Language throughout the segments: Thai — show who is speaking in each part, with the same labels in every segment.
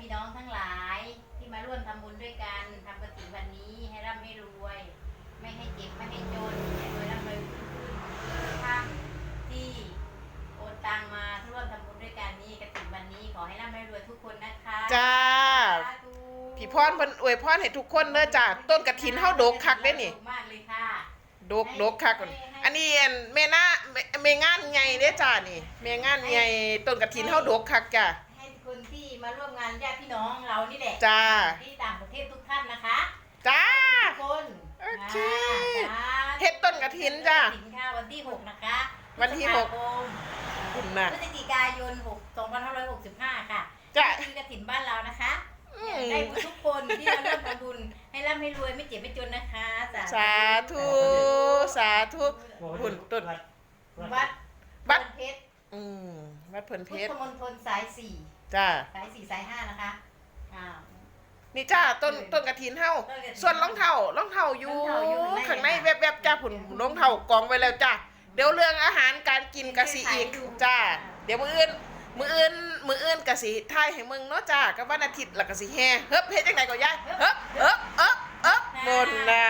Speaker 1: พี่น้องทั้งหลายที่มาร่วมทำบุญด้วยกันทำกฐินวันนี้ให้ร่ำให้รวยไม่ให้เจ็บไม่ให้จนให้รวยร่ำรวยขึ้นท่านที่โอนตังมาร่วมทำบุญด้วยกันนี้กฐินวันนี้ขอให้ร่ำให้รวยทุกคนนะคะ
Speaker 2: จ้าพี่พรเพิ่นอวยพรให้ทุกคนเด้อจ้าต้นกฐินเฮาดกคักเด้นี่
Speaker 1: มากเลยค่ะ
Speaker 2: ดกคักอันนี้แม่นาแม่งานใหญ่เด้อจ้านี่แม่งานใหญ่ต้นกฐินเฮาดกคักจ้า
Speaker 1: ให้คนที่มาร่วมงานญาติพี่น้องเรานี่แหละ
Speaker 2: จ้า
Speaker 1: ที่ต่างประเทศทุกท่านนะคะ
Speaker 2: จ้า
Speaker 1: ทุกคน
Speaker 2: โอเคเฮ็ดต้นกฐินจ้า
Speaker 1: วันที่6นะคะ
Speaker 2: วันที่6
Speaker 1: คุณนะพฤศจิกายน2565ค่ะ
Speaker 2: จ้า
Speaker 1: คือกฐินบ้านเรานะคะได้บุญทุกคนที่มาร่วมทำบุญให้ร่ำให้รวยไม่เจ็บไม่จนนะคะ
Speaker 2: สาธุสาธุบุญต้น
Speaker 1: วัดเพชร
Speaker 2: วัดเพิ่นเพชร
Speaker 1: พุทธมณฑลสาย4
Speaker 2: จ้า
Speaker 1: สาย4สาย5นะคะ
Speaker 2: นี่จ้าต้นกฐินเฮาส่วนรองเท้าอยู่ข้างในแวบๆจ้าผุนรองเท้ากองไว้แล้วจ้าเดี๋ยวเรื่องอาหารการกินกะสิอีกจ้าเดี๋ยวมื้ออื่นกะสิถ่ายให้มึงเนาะจ้ากับวันอาทิตย์แล้วก็สิแห่เฮ็ดจังได๋ก็ยายเฮ้บนนะ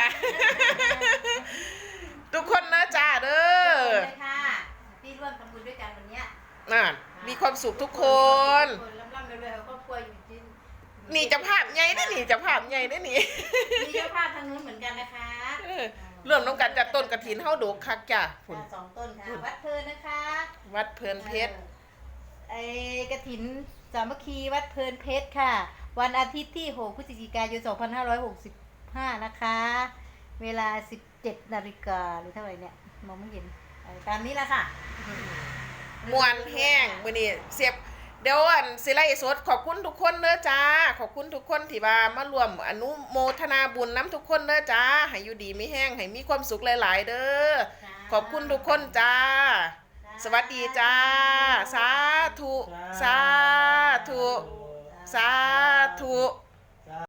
Speaker 2: ทุกคนนะจ้าเด้อ
Speaker 1: ค่ะที่ร่วมทำบุญด้วยกันวันนี้
Speaker 2: มีความสุขทุกคน
Speaker 1: ร่ำรวยครอบครัวอยู่จริง
Speaker 2: นี่จะภาพใหญ่ได้นี่จะภาพใหญ่ได้นี่
Speaker 1: มีเจ้าภาพทางนู้นเหมือนกันนะคะ
Speaker 2: เริ่มต้องการจัดต้นกฐินเฮาดกคักจ้ะ
Speaker 1: ฝุ่น2 ต้นค่ะวัดเพลินนะคะ
Speaker 2: วัดเพลินเพชร
Speaker 1: กฐินสามัคคีวัดเพลินเพชรค่ะวันอาทิตย์ที่6 พฤศจิกายน 2565นะคะเวลา 17 นาฬิกาหรือเท่าไหร่เนี่ยมองไม่เห็นตามนี้แหละค่ะ
Speaker 2: มวนแห้งมื้อนี้เสียบเดี๋ยวสิไลฟ์สดขอบคุณทุกคนเด้อจ้าขอบคุณทุกคนที่มาร่วมอนุโมทนาบุญน้ำทุกคนเด้อจ้าให้อยู่ดีมีแห้งให้มีความสุขหลายๆเด้อขอบคุณทุกคนจ้าสวัสดีจ้าสาธุสาธุสาธุ